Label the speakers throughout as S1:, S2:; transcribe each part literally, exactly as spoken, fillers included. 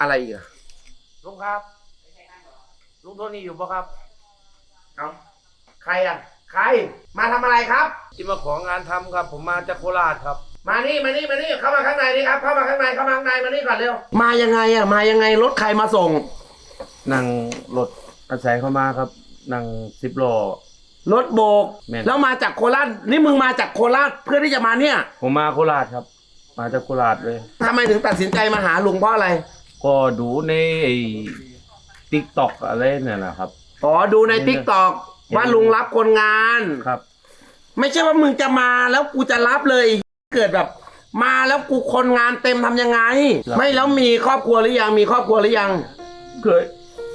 S1: อะไรอีกอะ
S2: ลุงครับลุงโทนี่อยู่ปะครับ
S1: เอาใครอ่ะใครมาทำอะไรครับ
S2: ที่มาของานทำครับผมมาจากโคราชครับ
S1: มานี่มานี่มานี่เข้ามาข้างในนี่ครับเข้ามาข้างในเข้ามาข้างในมานี่ก่อนเร็วมายังไงอ่ะมายังไงรถใครมาส่ง
S2: นั่งรถอาศัยเข้ามาครับนั่งสิบล้อ
S1: รถโบกแล้วมาจากโคราชนี่มึงมาจากโคราชเพื่อที่จะมาเนี่ย
S2: ผมมาโคราชครับมาจากโคราชเลย
S1: ทำไมถึงตัดสินใจมาหาลุงเพราะอะไร
S2: ก็ดูในไอ้ติ๊กต็อกอะไรเนี่ยแหละครับ
S1: อ๋อดูในติ๊กต็อกว่าลุงรับคนงาน
S2: ครับ
S1: ไม่ใช่ว่ามึงจะมาแล้วกูจะรับเลยเกิดแบบมาแล้วกูคนงานเต็มทำยังไงไม่แล้วมีครอบครัวหรือยังมีครอบครัวหรือยัง
S2: เคย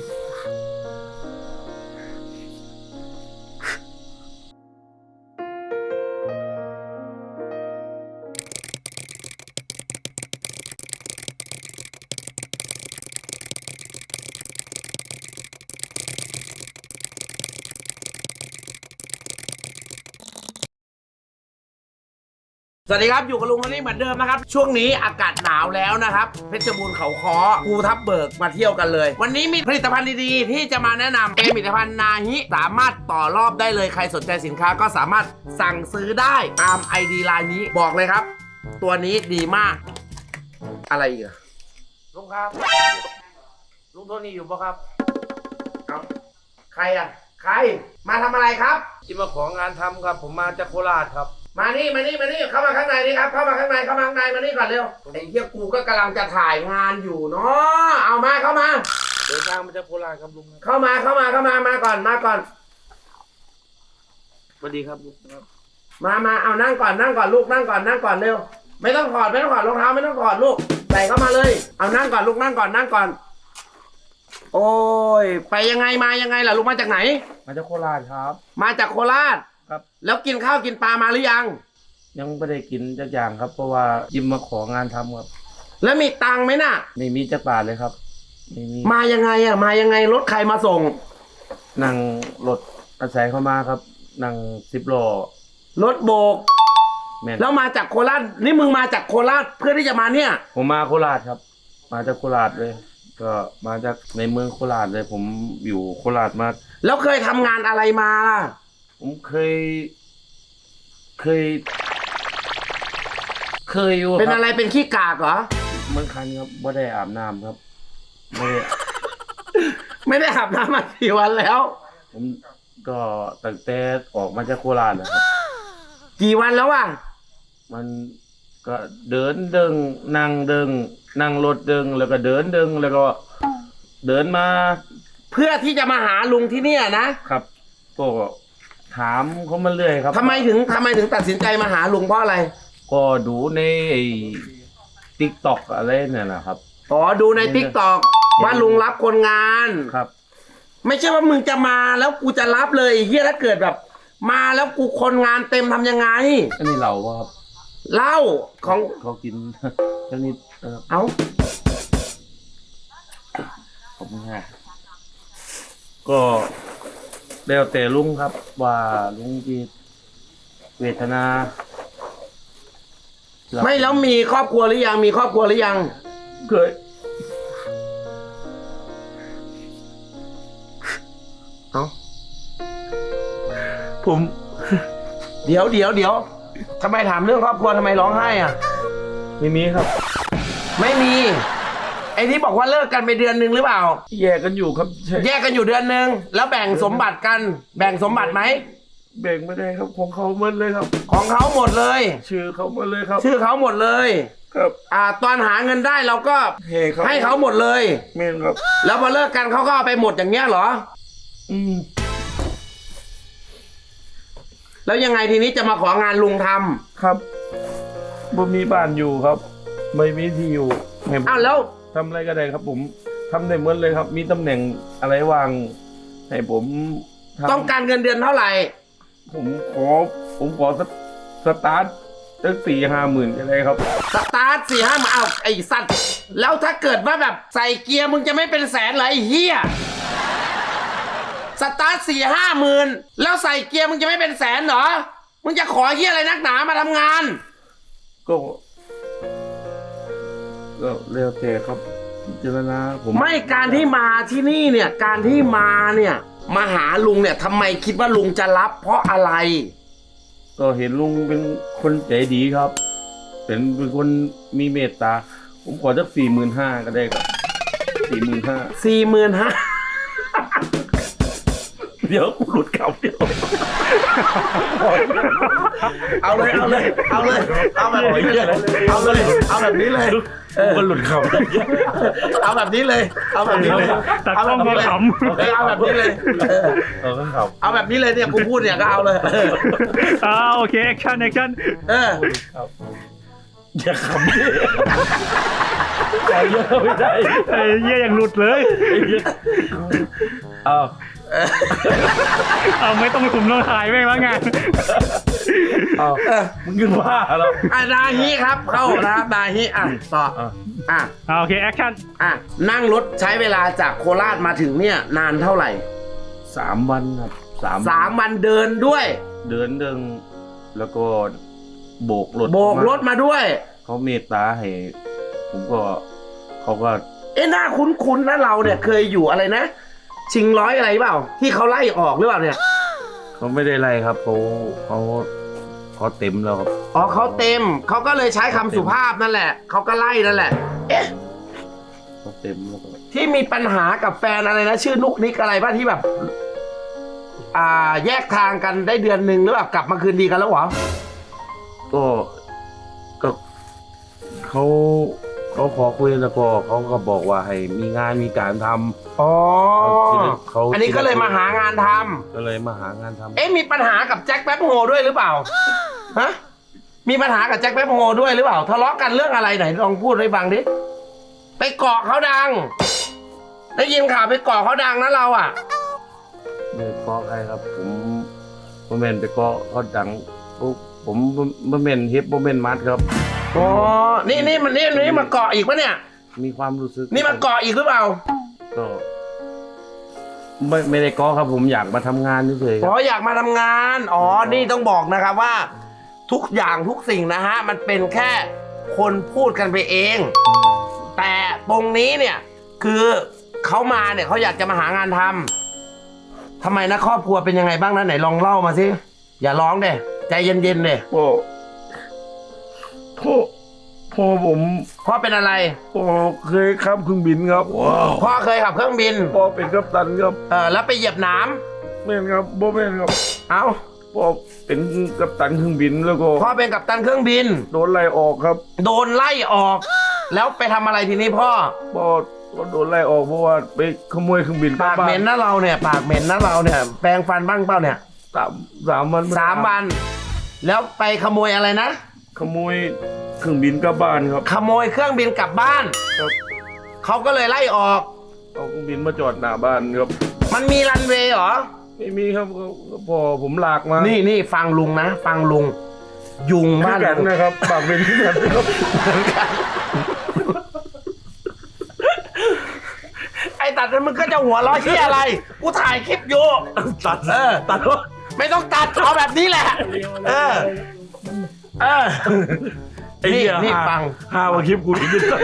S1: สวัสดีครับอยู่กับลุงคนนี้เหมือนเดิมนะครับช่วงนี้อากาศหนาวแล้วนะครับเพชรบูรณ์เขาค้อภูทับเบิกมาเที่ยวกันเลยวันนี้มีผลิตภัณฑ์ดีๆที่จะมาแนะนำเป็นผลิตภัณฑ์นาฮิสามารถต่อรอบได้เลยใครสนใจสินค้าก็สามารถสั่งซื้อได้ตาม ไอ ดี ไลน์นี้บอกเลยครับตัวนี้ดีมากอะไรอีกอะ
S2: ลุงครับลุงโทนี่อยู่ปะครับ
S1: เอาใครอ่ะใครมาทำอะไรครับ
S2: ที่มาของานทำครับผมมาจากโคราชครับ
S1: มานี่มานี่มานี่เข้ามาข้างในนี่ครับเข้ามาข้างในเข้ามาข้างในมานี่ก่อนเร็วไอ้เหี้ยกูก็กำลังจะถ่ายงานอยู่เนาะเอามาเข้ามา
S2: เดินทางมาจากโคราชครับลุง
S1: เข้ามาเข้ามาเข้ามามาก่อนมาก่อน
S2: สวัสดีครับลุงครับ
S1: มามาเอานั่งก่อนนั่งก่อนลูกนั่งก่อนนั่งก่อนเร็วไม่ต้องถอดไม่ต้องถอดรองเท้าไม่ต้องถอดลูกใส่เข้ามาเลยเอานั่งก่อนลูกนั่งก่อนนั่งก่อนโอ้ยไปยังไงมายังไงล่ะลูกมาจากไหน
S2: มาจากโคราชครับ
S1: มาจากโคราช
S2: ครับ
S1: แล้วกินข้าวกินปลามาหรือยัง
S2: ยังไม่ได้กินจักอย่างครับเพราะว่ายิมมาของานทำครับ
S1: แล้วมีตังค์ไหมน่ะ
S2: ไม่มีจักบาทเลยครับไม่มี
S1: มายังไงอ่ะมายังไงรถใครมาส่ง
S2: นั่งรถอาศัยเข้ามาครับนั่งสิบล้อ
S1: รถโบกแล้วมาจากโคราชนี่มึงมาจากโคราชเพื่อที่จะมาเนี่ย
S2: ผมมาโคราชครับมาจากโคราชเลยก็มาจากในเมืองโคราชเลยผมอยู่โคราชมา
S1: แล้วเคยทำงานอะไรมาล่ะ
S2: ผมเคยเคยเคยอยู่
S1: เป็นอะไรเป็นขี้กากเหรอ
S2: เมื่อคันครับไม่ได้อาบน้ำครับไม่ได้
S1: ไม่ได้อาบน้ำมากี่วันแล้ว
S2: ผมก็ตั้งแต่ออกมาจากโคราชนะครับ
S1: กี่วันแล้วอ่ะ
S2: มันก็เดินเดิงนั่งเดิงนั่งรถเดิงแล้วก็เดินเดิงแล้วก็เดินมา
S1: เพื่อที่จะมาหาลุงที่เนี่ย
S2: นะครับก็ถามเขามาเรื่อยครับ
S1: ทำไมถึงทำไมถึงตัดสินใจมาหาลุงเพราะอะไร
S2: ก็ดูในติ๊กต็อกอะไรเนี่ยแหละครับ
S1: อ๋อดูในติ๊กต็อกว่าลุงรับคนงาน
S2: ครับ
S1: ไม่ใช่ว่ามึงจะมาแล้วกูจะรับเลยเฮียถ้าเกิดแบบมาแล้วกูคนงานเต็มทำยังไง
S2: อันนี้เราครับ
S1: เหล้าของ
S2: เขากินเจ้านิด
S1: เอ้า
S2: ผมฮะก็แล้วแต่ลุงครับว่าลุงจีเวทนา
S1: ไม่แล้วมีครอบครัวหรือยังมีครอบครัวหรือยัง
S2: เคย
S1: เอ้า
S2: ผม
S1: เดี๋ยวเดี๋ยวเดี๋ยวทำไมถามเรื่องครอบครัวทำไมร้องไห้อ่ะ
S2: ไม่มีครับ
S1: ไม่มีไอ้ที่บอกว่าเลิกกันไปเดือนหนึ่งหรือเปล่า
S2: แยกกันอยู่ครับ
S1: แยกกันอยู่เดือนหนึ่งแล้วแบ่งสมบัติกันแบ่งสมบัติไหม
S2: แบ่งไม่ได้ครับของเขาหมดเลยครับ
S1: ของเขาหมดเลย
S2: ชื่อเขาหมดเลยครับ
S1: ชื่อเขาหมดเลย
S2: ครับ
S1: อ่าตอนหาเงินได้เราก็ให้เขาหมดเลย
S2: เมนครับ
S1: แล้วพอเลิกกันเขาก็เอาไปหมดอย่างเงี้ยเหรอ
S2: อืม
S1: แล้วยังไงทีนี้จะมาของานลุงท
S2: ำครับบ่มีบ้านอยู่ครับไม่มีที่อยู่
S1: อ้าวแล้ว
S2: ทำอะไรก็ได้ครับผมทำได้หมดเลยครับมีตำแหน่งอะไรวางให้ผม
S1: ต้องการเงินเดือนเท่าไหร่
S2: ผมขอผมขอสสตาร์ทตั้งสี่ห้าหมื่นอะไรครับ
S1: สตาร์ทสี่ห้ามาเอาไอ้สัตว์แล้วถ้าเกิดว่าแบบใส่เกียร์มึงจะไม่เป็นแสนเหรอไอ้เหี้ยสตาร์ทสี่ห้าหมื่นแล้วใส่เกียร์มึงจะไม่เป็นแสนเหรอมึงจะขอเหี้ยอะไรนักหนามาทำงาน
S2: ก็ก็เร็วเจครับพิจารณาผม
S1: ไม่การที่มาที่นี่เนี่ยการที่มาเนี่ยมาหาลุงเนี่ยทำไมคิดว่าลุงจะรับ เพราะอะไร
S2: ก็เห็นลุงเป็นคนใจดีครับ เป็นเป็นคนมีเมตตา ผมขอสักสี่หมื่นห้าก็ได้ครับสี่หมื่นห้า
S1: สี่หมื่นห้า
S2: เดี๋ยวกูหลุดคำเดียว
S1: เอาเลยเอาเลยเอาเลยเอาแบบนี้เลยเอาเลยเอาแบบนี้เลย
S2: กูก็หลุดคำ
S1: เอาแบบนี้เลยเอาแบบนี้เลย
S3: ตัดกล้องก็ขำ
S1: เออเอาแบบนี้เลยเออ
S2: เออครับ
S1: เอาแบบนี้เลยเนี่ยกูพูดเนี่ยก็เอาเลยเออ
S3: อ่าโอเคแอคชั่นแอคชั่น
S1: เออ
S2: อย่าขำดิอย่าเยอะไม่ได้
S3: ไอ้เหี้ยยังหลุดเลย
S2: เอา
S3: เอาไม่ต้องคุมต้องถ่ายแม่งแล้วไง
S2: เอา
S1: เออ
S2: มึงยืนว่าแล้ว
S1: อ่ะดาฮิครับเข้านะครับดาฮิอ่ะต่อ
S2: อ่ะ
S1: อ่ะ
S3: อ่าโอเคแอคชั่น
S1: อ่ะนั่งรถใช้เวลาจากโคราชมาถึงเนี่ยนานเท่าไหร่
S2: สามวันครับสาม
S1: สามวันเดินด้วย
S2: เดินเดินแล้วก็โบกรถ
S1: โบกรถมาด้วย
S2: เขาเมตตาให้ผมก็เขาก็
S1: เอ๊ะหน้าคุ้นๆนะเราเนี่ยเคยอยู่อะไรนะ ชิงร้อยอะไรเปล่า ที่เขาไล่ออกหรือเปล่าเนี่ย
S2: เขาไม่ได้ไล่ครับเขาเขาเขาเต็มแล้วครับ
S1: อ๋อเขาเต็มเขาก็เลยใช้คำสุภาพนั่นแหละเขาก็ไล่นั่นแหละ เอ๊ะ
S2: เขาเต็มแล้วก็
S1: ที่มีปัญหากับแฟนอะไรนะชื่อนุกนิกอะไรป่ะที่แบบ อ่าแยกทางกันได้เดือนหนึ่งหรือเปล่ากลับมาคืนดีกันแล้วเหรอ
S2: ก็ก็เขาเขาขอคุยแล้วก็เขาก็บอกว่าให้มีงานมีการทำ
S1: อ๋อ
S2: เขา
S1: อันนี้ก็เลยมาหางานทำ
S2: ก็เลยมาหางานทำ
S1: เอ๊ะมีปัญหากับแจ็คแป๊บโฮด้วยหรือเปล่าฮะมีปัญหากับแจ็คแป๊บโฮด้วยหรือเปล่าทะเลาะกันเรื่องอะไรไหนลองพูดให้ฟังดิไปเกาะเขาดังได้ยินข่าวไปเกาะเขาดังนะเราอ่ะ
S2: ไม่เกาะใครครับ ผมผมเมนไปเกาะเขาดังปุ๊บผมผมเมนเฮปผมเมนมัดครับ
S1: อ๋อนี่นี่มันนี่นี่มาเกาะอีกปะเนี่ย
S2: มีความรู้สึก
S1: นี่มาเกาะอีกหรือเปล่า
S2: ก็ไม่ไม่ได้เกาะครับ ผมอยากมาทำงานเฉยๆค
S1: อ๋
S2: รั
S1: อบ อยากมาทำงานอ๋อนี่ต้องบอกนะครับว่า ทุกอย่างทุกสิ่งนะฮะมันเป็นแค่คนพูดกันไปเอง แต่ตรงนี้เนี่ยคือเขามาเนี่ยเขาอยากจะมาหางานทำทำไมนะครอบครัวเป็นยังไงบ้างนะไหนลองเล่ามาสิอย่าร้องเด้ใจเย็นๆเด้
S2: พ่อพ่อพ่อผม
S1: พ่อเป็นอะไร
S2: พ่อเคยขับเครื่องบินครับ
S1: พ่อเคยขับเครื่องบิน
S2: พ่อเป็นกัปตันครับ
S1: เออแล้วไปเหยียบหน้
S2: แม่นครับบ่แม่นครับ
S1: ำเอ้า
S2: พ่อเป็นกัปตันเครื่องบินแล้วก็
S1: พ่อเป็นกัปตันเครื่องบิน
S2: โดนไล่ออกครับ
S1: โดนไล่ออก แล้วไปทำอะไรทีนี้พ่อ
S2: พ่อก็โดนไล่ออกเพราะว่าไปขโมยเครื่องบิน
S1: ปากเหม็นนะเราเนี่ยปากเหม็นนะเราเนี่ยแปรงฟันบ้างเปล่าเนี่ย
S2: สามสามวัน
S1: สามวัน แล้วไปขโมยอะไรนะ
S2: ขโมยเครื่องบินกลับบ้านครับ
S1: ขโมยเครื่องบินกลับบ้าน
S2: ครับ
S1: เขาก็เลยไล่ออก
S2: เอาเครื่องบินมาจอดหน้าบ้านครับ
S1: มันมีรันเวย์เหรอ
S2: ไม่มีครับก็ก็พอผมลากมา
S1: นี่นี่ฟังลุงนะ ฟังลุง ยุง
S2: คือ
S1: บ้าน
S2: กัน
S1: ลุง
S2: นะครับปากเป็นที่กันนะครับ
S1: ไอ้ตัดนั้นมึงก็จะหัวเร้อที่อะไร กูถ่ายคลิปอยู่
S2: ตัด
S1: เออ
S2: ตัดว่า
S1: ไม่ต้องตัดเอาแบบนี้แหละ เออ เออ
S2: ไอ้เหี้ย
S1: นี่ฟัง
S2: ห้าว่าคลิปกูอีกนิดหน่อย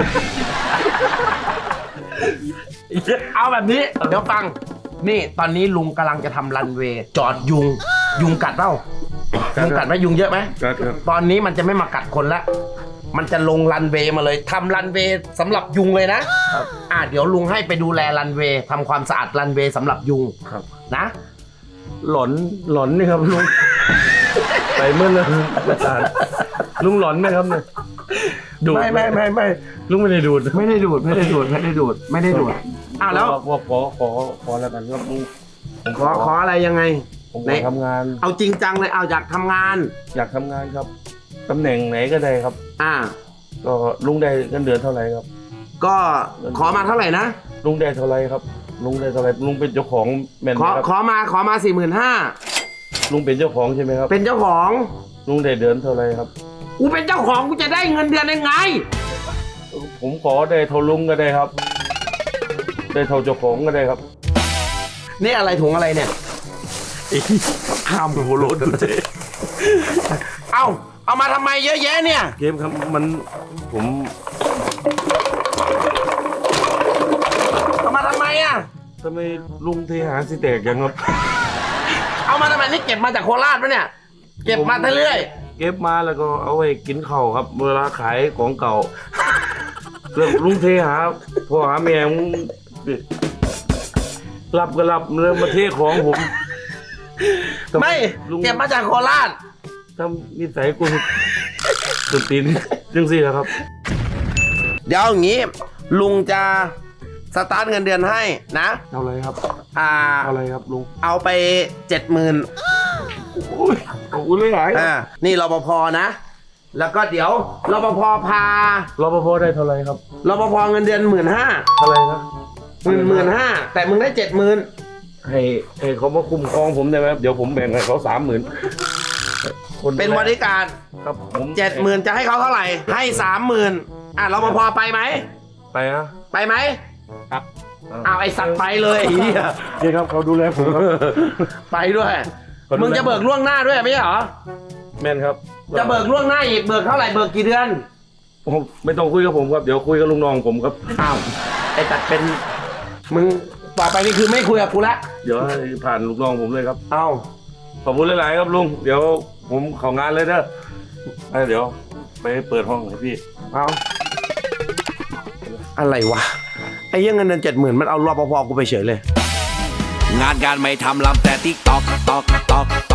S1: เอาแบบนี้ เดี๋ยวฟัง นี่ตอนนี้ลุงกำลังจะทำรันเวย์จอดยุง ยุงกัดเปล่ายุงกัดไหมยุงเยอะไหม
S2: ครับครับ
S1: ตอนนี้มันจะไม่มากัดคนละ มันจะลงรันเวย์มาเลยทำรันเวย์สำหรับยุงเลยนะ อ่ะเดี๋ยวลุงให้ไปดูแลรันเวย์ทำความสะอาดรันเวย์สำหรับยุง
S2: ครับ
S1: นะ
S2: หลอนหลอนนี่ครับลุง ไปเมื่อเลยอาจารย์ลุงหลอนไหมครับเนี่ยดูด
S1: ไม่ไม่ไม่ไม่
S2: ลุงไม่ได้ดูด
S1: ไม่ได้ดูดไม่ได้ดูดไม่ได้ดูดไม่ได้ดูดอ้าวแล้ว
S2: ขอขอขอขอแล้วกันครับลุงผม
S1: ขอขออะไรยังไง
S2: ผม
S1: ไหน
S2: ขอทำงาน
S1: เอาจริงจังเลยเอาอยากทำงาน
S2: อยากทำงานครับตำแหน่งไหนก็ได้ครับ
S1: อ่า
S2: ก็ลุงได้เงินเดือนเท่าไหร่ครับ
S1: ก็ขอมาเท่าไหร่นะ
S2: ลุงได้เท่าไหร่ครับ ลุงได้เท่าไหร่ลุงเป็นเจ้าของแมนไห
S1: ข
S2: ม
S1: อ
S2: ครับ
S1: ขอมาขอมาสี่หมื่นห้า
S2: ลุงเป็นเจ้าของใช่ไหมครับ
S1: เป็นเจ้าของ
S2: ลุงได้เดือนเท่าไหร่ครับ
S1: กูเป็นเจ้าของกูจะได้เงินเดือนยังไง
S2: ผมขอได้เท่าลุงก็ได้ครับ ได้เท่าเจ้าของก็ได้ครับ
S1: นี่อะไรถุงอะไรเนี่ย
S2: ข้ามโหโลดเจ๊
S1: เอาเอามาทำไมเยอะแยะเนี่ย
S2: เกมครับมันผมทำไมลุงเทหาสิแตกยังครับ
S1: เอามาทำไมนี่เก็บมาจากโคราชปะเนี่ย เก็บมาเรื่อย
S2: เก็บมาแล้วก็เอาไว้กินข้าวครับ เวลาขายของเก่าเรื่องลุงเทหาพ่อหาแม่มึงรับก็รับเรื่องมาเทของผม
S1: ๆไม่
S2: ลุง
S1: เก็บมาจากโคราช
S2: ทำนิสัยกูสุดตีนจังสิครับ
S1: เดี๋ยวอย่างนี้ ลุงจะสตาร์ทเงินเดือนให้นะ
S2: เอาอะไรครับ
S1: อ่า
S2: เอาอะไรครับลุง
S1: เอาไปเจ็ดหมื่น
S2: โอ้ยขอบคุณหลายๆ
S1: อ่า นี่รปภนะ แล้วก็เดี๋ยวรปภพาร
S2: ปภได้เท่าไหรครับ
S1: รปภเงินเดือนหมื่นห้า
S2: เท่าไหรนะ
S1: หมื่นหมื่นห้าแต่มึงได้เจ็ดหมื่น
S2: ให้ให้เขามาคุ้มครองผมได้ไหมครับเดี๋ยวผมแบ่งให้เขาสามหมื่น
S1: เป็นบริการ
S2: ครับผม
S1: เจ็ดหมื่นจะให้เขาเท่าไหร่ ให้สามหมื่นอ่ะรปภไปไหม
S2: ไปนะ
S1: ไปไหม
S2: ครับ
S1: เอาไอ้สัตว์ไปเลยไอ้เหี้ย
S2: นี่ครับเขาดูแลผมครับ
S1: ไปด้วย
S2: ขอดูแล
S1: มึงจะเบิกล่วงหน้าด้วยไม่ใช่เหรอ
S2: แม่นครับ
S1: จะเบิกล่วงหน้าอีก เบิกเท่าไหร่ เบิกกี่เดือน
S2: ผมไม่ต้องคุยกับผมครับเดี๋ยวคุยกับลุงน้องผมครับ
S1: อ้าว ไอ้ตัดเป็น มึงต่อไปนี่คือไม่คุยกับกูละ
S2: เดี๋ยวให้ผ่านลูกน้องผมเลยครับ
S1: เอ้า
S2: ขอบคุณหลายๆครับลุงเดี๋ยวผมของานเลยเด้อไปเดี๋ยวไปเปิดห้องให้พี่
S1: เอาอะไรวะ ไอ้เหี้ยังเงินเดือนเจ็ดหมื่นมันเอารปภกูไปเฉยเลย
S4: งานการไม่ทำลำแต่ติ๊กตอกตอกตอก